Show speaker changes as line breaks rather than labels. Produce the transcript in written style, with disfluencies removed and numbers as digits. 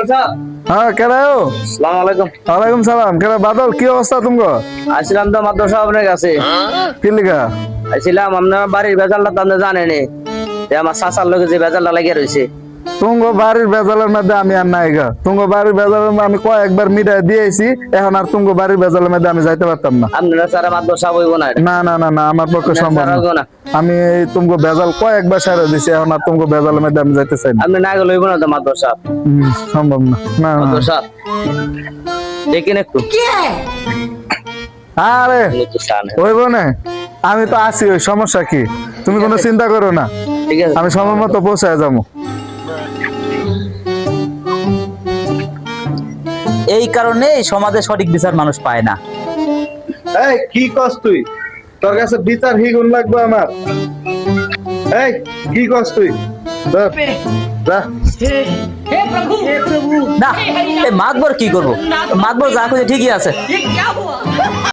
হ্যাঁ কেন
আসসালামু আলাইকুম।
ওয়ালাইকুম সালাম কেন বাদল কি অবস্থা তুমি
আসছিলাম তো মাদ্রাসা সাহেব আপনার কাছে।
কি লিখা
আসছিলাম আপনার বাড়ির বেজালটা তো আপনি জানেনি, যে আমার চাচার লোকে যে বেজালটা লাগিয়ে রয়েছে।
তুঙ্গ বাড়ির বেজালের মধ্যে আমি আর নাই গা। তুঙ্গ বাড়ির বেজালের মধ্যে আমি কয়েকবার মিটাই দিয়েছি, এখন আর তুঙ্গ বাড়ির বেজালের মধ্যে আমি যাইতে পারতাম না।
আপনারা স্যার মাদ্রাসা হইব না।
না না না না আমার পক্ষে
আপনারা
সম্ভব
স্যার হইব
না।
না।
আমি এই তুমগো বেজাল কয়েকবার সারা দিছি, এখন আর তুমগো বেজালের মধ্যে আমি যাইতে চাই না।
আপনি না গেলে হইব না তো মাদ্রাসা।
সম্ভব না। না না
মাদ্রাসা দেখেন একটু।
আরে
আপনি তো চান।
হইব না, আমি তো আছি, ওই সমস্যা কি, তুমি কোনো চিন্তা করো না,
ঠিক আছে।
আমি সময় মতো পৌঁছায় যাবো।
এই কারণে সমাজে সঠিক বিচার মানুষ পায় না।
এই কি কস তুই, তোর কাছে বিচার হিগুন লাগবে আমার? এই কি কস তুই? ধর, যা।
না এই মাতবর কি করবো, মাতবর যা খুঁজে ঠিকই আছে।